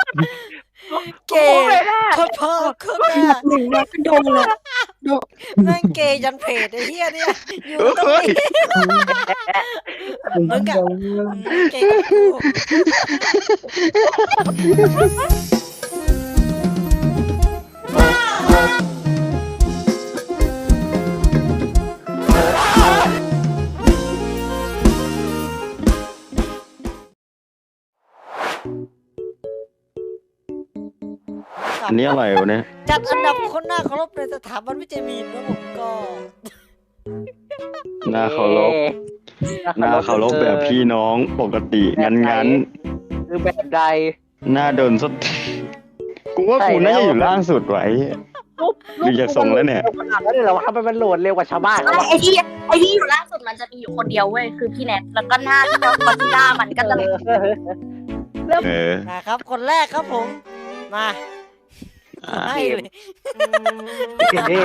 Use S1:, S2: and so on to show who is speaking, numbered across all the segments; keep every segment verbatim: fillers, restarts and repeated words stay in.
S1: เกย์โคตรพ่อโคตรแม่
S2: หนึ่งมาก็โดนเลยโดน
S1: แม่งเกย์ยันเพจไอ้เหี้ยเนี่ยอยู่ตรงนี้มึงกับเกย์กับกู
S3: อันนี้อะไรวะเนี่ย
S1: จัดอันดับคนหน้าเคารพในสถาบันวิจัยมีนแล้วผมก็
S3: หน้าเคารพหน้าเคารพแบบพี่น้องปกติงั้นงั้น
S4: คือแบบใด
S3: หน้าโดนสดกูว่ากูน่าจะอยู่ล่างสุดไว้ ดูจากทรงแล้วเนี่ย
S4: ขนาดนั้นเลยเหรอวะทำไมมันโหลดเร็วกว่าชาวบ้าน
S2: ไอ้ไอ้ที่ไอ้ที่อยู่ล่าสุดมันจะมีอยู่คนเดียวเว้ยคือพี่แนทแล้วก็หน้าที่เราคอนซีล่ามันก็จะ
S3: เออ
S1: นะครับคนแรกครับผมมาให้เลย
S2: นี่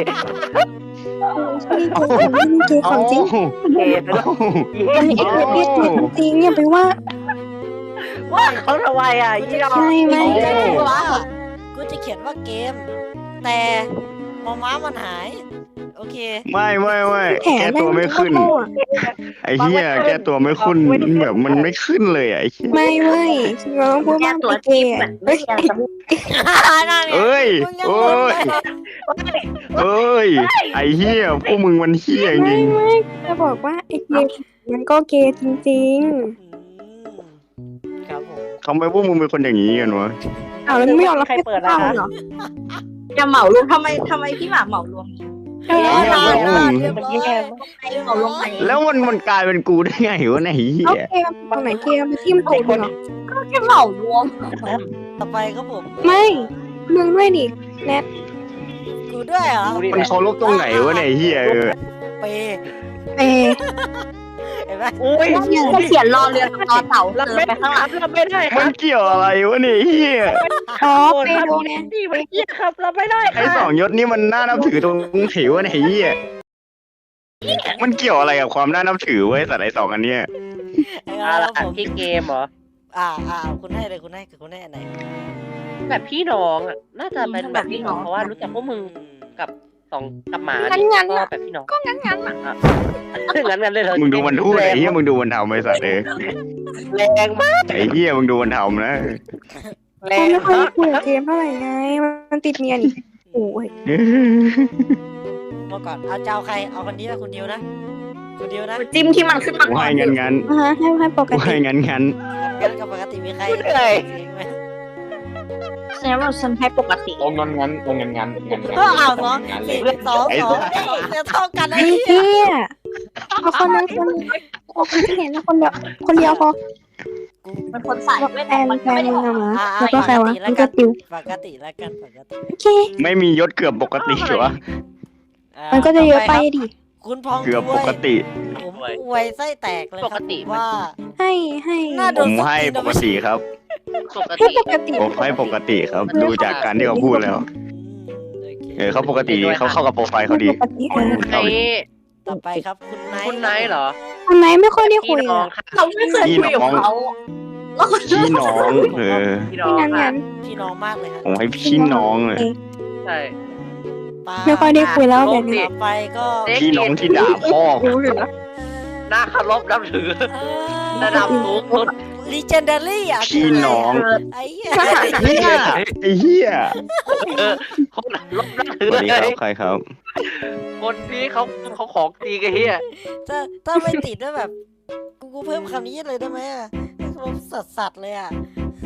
S2: คือของจริง
S4: เกย์ไปแล้ว
S2: อันนี้ไอ้เรื่องจริงเนี่ยไปว่า
S4: ว่าเขาทำไมอ่ะยี่ดอก
S2: ไม่ไม่
S1: กูจะ
S2: ไม่
S1: เขียนว่ากูจะเขียนว่าเกม แต่มอม้ามันหาย โอเค
S3: ไม่ไม่ไม่
S2: แผล
S3: แก้ตัวไม่ขึ้น
S2: โง่อะ
S3: ไอ้เหี้ยแก้ตัวไม่ขึ้นแบบมันไม่ขึ้นเลยอ่ะไอ้เหี้ย
S2: ไม่ไม่เราต้องพูดว่าไอ้เกย์อะเฮ้ย
S1: นั่นไง
S3: เอ้ย
S1: มึงยัง
S3: เอ้
S1: งง
S3: ย
S1: เลย
S3: เอ้ยไอ้เหี้ยพวกมึงมันเหี้ยจ
S2: ไม่
S3: ริง
S2: ไม่จะบอกว่าไอ้เกย์มันก็เกย์จริง
S1: อืมครับผม
S3: ทำไมพวกมึงเป็นคนอย่างนี้กันวะ
S2: ๆอ้าวแล้วไม่ยอมรับ
S4: ใครเปิด
S2: เปล่า
S4: นะ
S2: เหรอ
S5: อย่าเหมารวมทำไมทำไมพี่หมาเหมารวม
S2: เออ
S1: เรียบร้อยแล้วเรียบร้อย
S5: ไอ้เหมารวมไป
S3: แล้วมันมันกลายเป็นกูได้ไงวะเนี่ยไอ้เหี้
S2: เอา
S3: ย
S2: เกย์ตรงไหนเกย์มันที่มันตกเหรอ
S5: ก็แค่เหมารวม
S1: ต่อไปครับผม
S2: ไม่มึงด้วยดิแนท
S1: กูด้วยเหรอ
S4: ดูดิ
S3: มันเคารพตรงไหนวะเนี่ยไอ้เหี้ยเออ
S1: เปย์
S2: เอ
S1: เห็นไหม
S4: อุ้ย
S5: จะเขียนรอเรือกับรอเต่า
S4: รับ
S5: เติม
S4: ไม่
S5: ไปข้างห
S4: ค
S5: ลั
S4: รั
S5: ง
S4: บรับไม่ได้ค
S3: มั
S4: รั
S3: น
S4: บ
S3: เกี่ยวอะไรวะเนี่ยไอ้เหี้ย
S2: อ๋อ
S4: โอ้
S2: เป
S4: ครับ
S2: โดแนท
S4: นี่มันเกี้ยครับรับไม่ได้ค
S3: ไอ้
S4: รับ
S3: สองยศนี่มันน่านับถือตรงไหนวะเนี่ยไอ้เหี้ยมันเกี่ยวอะไรกับความน่านับถือเว้ยแต่ไอ้สองอันเนี้ย
S1: ไอ้
S4: อะ
S1: ค
S4: ไร
S1: รับผม
S4: ที่เกมเหรอ
S1: อ่าอ่าคุณให้เลยคุณให้คุณให้อันไหน
S4: แบบพี่น้องอ่ะน่าจะเป็นแบบพี่น้องเพราะว่ารู้จักพวกมึงกับสองกับหมา
S2: งั้นงั้น
S4: ก็
S2: อะ
S4: แบบพี่น้อง
S2: ก็งั้นงั้นอะ
S4: อ่ะงั้นงั้นเลยเหรอ
S3: มึงดูมันพูดไอ้เหี้ยมึงดูมันทำไอ้สัตว์เอ้ย
S4: แรงมาก
S3: ไอ้เหี้ยมึงดูมันทำนะ
S4: แร
S2: เรา
S4: ง
S2: ไม่ค่อย
S4: มาก
S2: คุยกับเกมเท่าไหร่ไง มันติดเมียนี่โอ้ย
S1: เมื่อก่อนเอาเจ้าใครเอาคนนี้นะคุณดิวนะคุณดิวนะ
S5: จิ้มที่มันขึ้นมา
S3: กู
S5: ก่อน
S3: ให้งั้นงั้น
S2: อ่าให้ให้ปก
S3: กู
S2: ติ
S3: ให้งั้นงั้น
S1: งั้นกับปกติมีใคร
S4: เหนื่อย
S1: เสียงไหม
S5: แสดงว่าฉันให้ปกติ
S6: ตรงงั้นงั้นตรงงั้นงั้นงั้นงั้น
S1: ก็เอาสอง
S6: งั้นเล
S1: สี่
S6: ย
S1: สองสองสองจะเท่ากันไอ้
S2: ไอ้
S1: เหี้ย
S2: เหี้ยเอาคนนึงคนเอาคนที่เห็นแล้วคนเดียวคนเดียวพอ
S5: มันคนใส่ไม่
S2: แฟ
S5: แต่
S2: น
S5: มัน
S2: แฟ
S5: ก็
S2: น
S5: ไม่ได้
S2: มึง
S5: ออก
S2: อะ
S5: มา
S2: มาแล้วก็ใครวะมันก็ติว
S1: ปกติแล้วกันปกติ
S2: โอเค
S3: ไม่มียศเกือบปกติวะ
S1: อ่า
S2: มันก็จะเยอะไป
S1: ต่ปครับ
S2: ดิ
S1: คุณพอง
S3: เกือบ
S1: ด้ว
S3: ป
S1: ย
S3: กติ
S1: ผมอวยไส้แตกเลยครับว่า
S2: ให้ให้
S1: น่า
S3: ผมให้ปกติครับ
S4: ปก
S2: ให้
S4: ติ
S2: ปกติ
S3: ผมให้ปกติครับ ดูจากการที่เขาพูดแล้ว เออเขาปกติดีเขาเข้ากับโปรไฟล์เขาดี
S2: ปกติเออ
S4: ไอ้
S1: ต่อไปครับคุณไนท์
S4: คุณไนท์เหรอ
S2: คนไหนไม่ค่อยได้คุ
S4: พี่
S2: ย
S4: น้อ
S2: อ่ะ
S4: งค่ะ
S5: เราไม่เคยคุยกับเขา
S3: พี่น้องเออ
S4: พี่น้อ
S2: ที่
S4: ง
S2: นั้น
S4: ค่ะ
S2: งั้น
S1: พี่น้องมากเลยฮะ
S3: ผมให้พี่น้องเลย
S4: ใช่
S1: ปา
S2: ไม่ค่อยได้คุยแล้วแบบนี้
S1: ต่อไปก็
S3: พี่น้องที่ด่าพ่อ
S2: รู้อยู่นะ
S4: หน้าเคารพนับถือระดับสูงสุด
S1: ลีเจนเดอรี่อ่ะ
S3: พี่น้อง
S1: ไอ้เหี้ย
S3: เฮียไอ้เฮีย
S4: เออคนรบนับถื
S3: ส
S4: อ
S3: วัสดี
S4: เล
S3: ครับ
S4: ย
S3: ใครครับ
S4: คนนี้เขาเขาของจริงไอ้เหี้ย
S1: ถ้าถ้าไม่ติดด้วยแบบกูกูเพิ่มคำนี้เลยได้ไหมอ่ะแบบสัสสัสๆเลยอ่ะ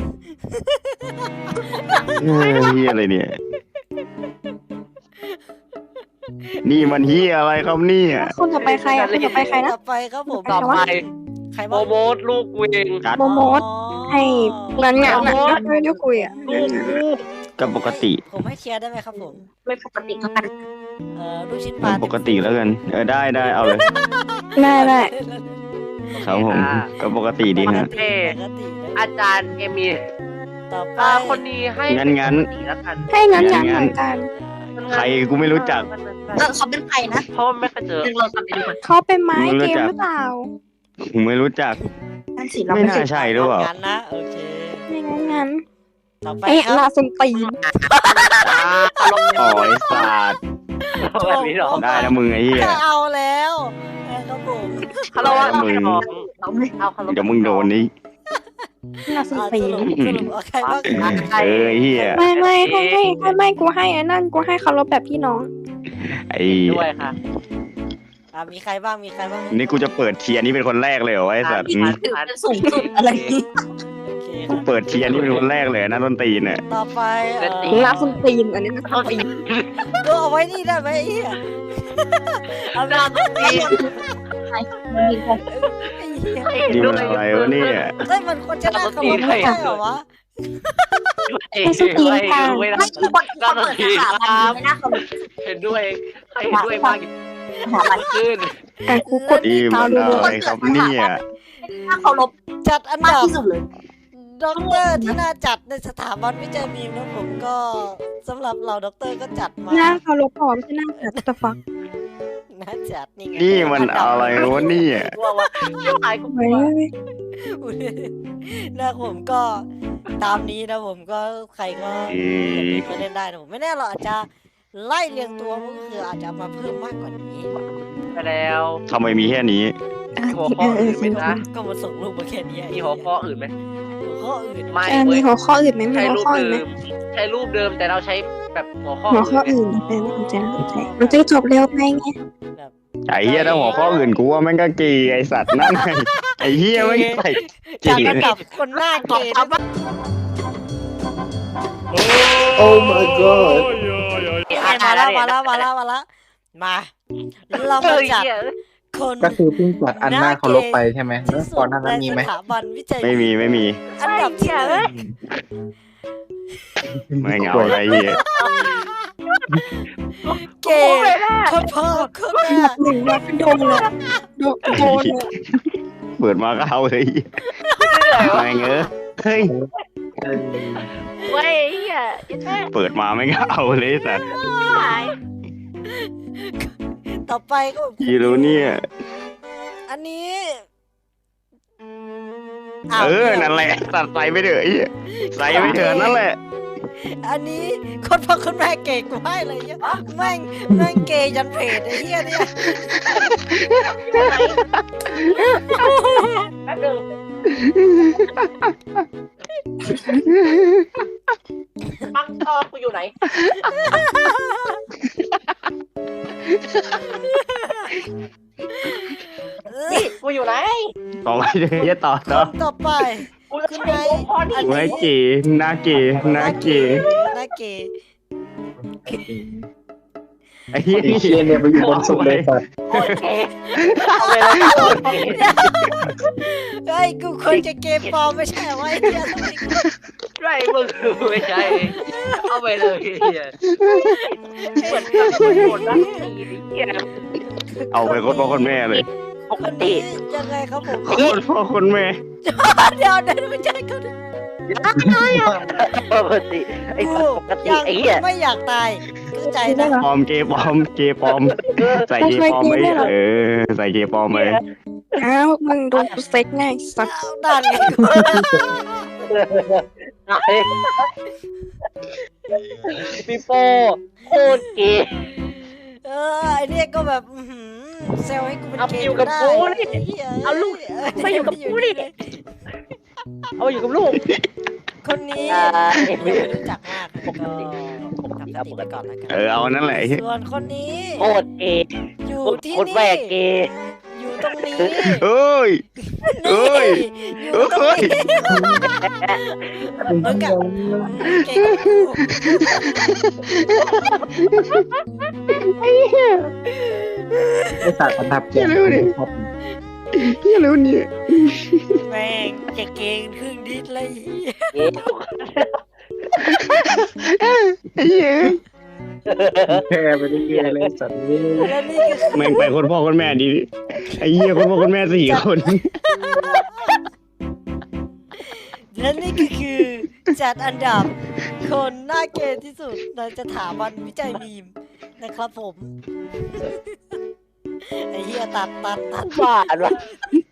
S3: เออเฮียอะไรเนี่ย นี่มันเฮียอะไรครับเนี่ย
S2: คนต่อไปใครอ่ะคนต่อไปใครนะ
S1: ต่อไปครับผม
S4: ต่อไป
S1: ใคร
S4: โม
S1: บ้าง
S4: โมดลูกกูเอง
S3: กัด
S2: โมโมด ให้งั้นงั้นอ่ะไม่ได้คุยอ่ะ
S4: ลูกกู
S3: กับปกติ
S1: ผมให้เชียร์ได้ไหมครับผม
S5: ไม่ปกติก็กัน
S1: เอ่อลูกชิ้นปลา
S3: ปกติแล้วกัน เออได้ได้เอาเลย
S2: ได้ได้
S3: ครับผมก็ปกติดีฮะ
S1: ปกติปกตินะ
S4: อาจารย์เอมี
S1: ต่อไป
S4: อ่าคนนี้ให้
S3: งั้นงั้น
S4: ปกติแล้วกัน
S2: ให้งั้นงั้นเหมือนกัน
S3: ใครกูไม่รู้จัก
S5: เออเขาเป็นใครนะ
S4: เพราะว่าไม่เคยเจอ
S5: ดึงเรากลับไปดูก่อน
S2: เขาเป็นไม้เกมหรือเปล่า
S3: ผมไม่รู้จัก
S5: นั่นสิเรา
S3: ไม่
S5: ไม่
S3: น่า
S5: เคย
S3: ใช่หรือเปล่า
S1: งั้นนะโอเค
S2: ไม่งั้นงั้น
S1: ต่อไป
S5: เอ๊ะ
S1: ครับ
S5: ลาสุนตีน
S3: อ๋อไอ้สัตว์
S4: แบบพี่น้อง
S3: ได้แล้วมึงไอ้เหี้ย
S1: ก็เอาแล้วนะครับผม
S4: ฮัลโหล
S3: มึง
S4: พี่น้องเอาฮัลโหล
S3: เดี๋ยวมึงโดนนี่
S5: ลาสุน
S1: อ่ะ
S5: ตี
S1: ส
S5: น
S1: รุปสรุปเอาใครบ้าง
S3: เออไอ้เหี้ย
S5: ไม่ไม่ให้ให้ให้ไม่กูให้ไอ้นั่นกูให้เคารพแบบพี่น้อง
S3: ไอ้
S4: ด้วยค่ะ
S1: อ่ะมีใครบ้างมีใครบ้าง
S3: นี่กูจะเปิดเทียร์นี่เป็นคนแรกเลยเหรอวะไอ้สัตว์อืม
S2: ถือเป็นสูงสุดอะไรอย่างงี้
S1: โอเคค
S3: กู
S1: รับ
S3: เปิดเทียร์นี่เป็นคนแรกเลยนะต้นตีนเนี่ย
S1: ต่อไปเอ่อ
S5: ลาสุนตีนอันนี้ลาสุนตีน
S1: ก็เอาไว้นี่ได้ไหมไอ้เหี้ยเอาไป
S4: น่าตี
S1: ไอ้เหี้ย
S3: นี่มันอะไรวะเนี่ย
S1: เฮ้ยมันควรจะน่าเคารพไม่ใช่เหรอวะ
S4: ไม่ไม่
S2: ไม่คือคนคนเปิดสถาบันไม่น่าเคารพ
S4: เห็นด้วยใครเห็นด้วยมาก
S2: สถาบัน
S4: ขึ้น
S5: แต่กูกด
S3: นี่
S5: ตา
S3: มัน
S5: ดู
S3: อะไรครับเนี่ย
S2: น่าเคารพ
S1: จัดอัน
S2: มาก
S1: ดับ
S2: ที่สุดเลย
S1: ด็อกเตอร์ที่น่าจัดในสถาบันวิจัยมีมนะผมก็สำหรับเราด็อกเตอร์ก็จัดมา
S5: หน้าเคารพพร้อมใช่หน้าแต่ตะฟัก
S1: น่าจัดนี่ไง
S3: นี่มันอะไรวะเนี่ย
S4: ว่าว่าชิบหายกู
S5: เฮ้ย
S1: นะผมก็ตามนี้นะผมก็ใครก็
S3: เอ๊ะ
S1: มาเล่นได้นะผมไม่แน่เราอาจจะไล่เรียงตัวมันก็คืออาจจะมาเพิ่มมากกว่านี้
S4: ไปแล้ว
S3: ทำไมมีแค่นี้
S4: หัวข้ออื่นไหมนะ
S1: ก็มาส่งรูปมาแค่นี้
S4: มีหัวข้ออื่นไหม
S1: หัวข้ออื่น
S4: ไม่
S5: เออ
S4: เว้
S5: มี
S4: ย
S5: หัวข้ออื่นไหมมี
S4: ใช้
S5: หัว
S4: รูป
S5: ข้ออื่น
S4: เดิ
S5: ไหม
S4: มใช้รูปเดิมแต่เราใช้แบบหัวข้อ
S5: หัวข้อ
S4: อื่
S5: อื่
S4: น
S5: นเป็นน่าสนใจน่าสนใจมันจะจบเร็วไงไง
S3: ไอ้เหี้ยถ้าหัวข้ออื่นกูว่าแม่งก็กีไอ้สัตว์นั่นไงไอ้เหี้ยแม่งใส่
S1: จัด
S3: กี
S1: อันดับคนหน้าเกย์ด้วย
S6: โอ้ my god
S1: มาแล้วมาแล้วมาแล้วมาแล้วมาเรา
S4: เอ
S1: มา
S4: อ
S1: จัด
S4: เหี้ย
S1: คน
S6: ก็คือเพิ่งจัดอันหน้าเคารพไปใช่ไหมแล้วก่อนหน้านั้นมีไหม
S1: ในสถาบันวิจัย
S3: ไม่มีไม่มี
S1: อันดับที่หนึ่ง
S3: ไม่เหงาอะไรเหี้ย
S1: เกย์คนพ่อคนแม่
S5: อันดับหนึ่งว่าโดนเลยโดนโดนเลย
S3: เปิดมาก็เอาเลยไม่เงอเฮ้ย
S4: เว้ยเหี้ยยังไง
S3: เปิดมาไม่ก็เอาเลยไอ้สัตว์
S4: หาย
S1: ต่อไปก็
S3: ยีรู้เนี่ย
S1: อันนี้
S3: เออนั่นแหละตัดใส่ไปเถอะไอ้เหี้ยใส่ไปเถอะนั่นแหละ
S1: อันนี้คนพ่อคนแม่เกย์กูให้เลยเนี่ยแม่งแม่งเกย์ยันเพจไอ้เหี้ยเนี่ย
S4: แป๊บนึงปังทองกูอยู่ไหน นี่กูอยู่ไหน
S3: ต่อไปเดี๋ยวจะต่อ
S1: ค
S3: ต่อน
S1: ต่อไป
S4: กูจะใช้หัวข้อนี้
S3: ไว้กีหน้ากีหน้ากี
S1: หน้าเกย์
S3: ไอ้เหี้ย
S6: ไอ้เชียเนี่ยไปอยู่บนสุดเลยสัตว์
S4: โอเคเอาไปเลยโอเค
S1: เฮ้ยกูควรจะเกย์ปลอมไม่ใช่เหรอวะไอ้เหี้ยทำไมกู
S4: ไรมึงไม่ใช่เอาไปเลยเฮียเหมือนกับคนโดนนักตีเฮีย
S3: เอาไปคนพ่อคนแม่เลย
S4: ป
S1: ค
S4: ก
S1: น
S4: ติ
S1: นี้ยังไงครับผม
S3: คนพ่อคนแม่
S1: เดี๋ยวเดี๋ยวไม่ใช่เขาดิ
S4: ปกติไอ้
S1: กู
S4: ปกติ
S1: ยัง
S4: ไอ้เหี้ย
S1: ไม่อยากตายเข้าใจนะ
S3: ปลอมเกย์ปลอมเกย์ปลอมใส่เกย์ปลอมไปเออใส่เกย์ปลอมไป
S5: อ้าวมึงโดนกูเซ็กไงสัตว์
S1: เอาด่านไงกู
S4: ปีโป้โคตรเกย์
S1: เออไอเนี่ยก็แบบอื้อหือเซลให้กูเป็น
S4: เอา
S1: เก
S4: ไป
S1: ย์
S4: อยู่กับ
S1: ได้
S4: กูนี่
S1: ไหี้ย
S4: เอาลูกไปอยู่กับกูนี่ เอาอยู่กับลูก
S1: คนนี้
S4: อ่า
S1: ไม่รู้จักมากปกติผมทำสติไปก่อนแล้วกัน
S3: เออเอานั่นแหละ
S1: ส่วนคนนี้
S4: โคตรเกย์
S1: อยู่ที่
S4: โคตร
S1: นี่
S4: แม่เกย์
S1: อยู่ตรงนี้
S3: เอ้ย เอ้
S1: นี่
S3: ย
S1: อยู่ตรงนี้มึงอะเก่งกว่ากู
S6: ไอ้สัตว์อันดับเจ็ดครับ
S3: เฮียแล้วเนี่ย
S1: แม่งจะเก่งครึ่งดิสเลย
S4: เกย์
S3: ไอ้เหี้ย
S6: แพ้ไปเรื่อยๆเลยสัตว์นี่
S1: และนี่ก็คือ
S3: แม่งไปคนพ่อคนแม่ดีไอ้เหี้ยคนพ่อคนแม่สี่คน
S1: และนี่ก็คือจัดอันดับคนหน้าเกย์ที่สุดในสถาบันวิจัยมีมนะครับผม ไอ้เหี้ยตัดตัดตัด
S4: บ้าอันวะ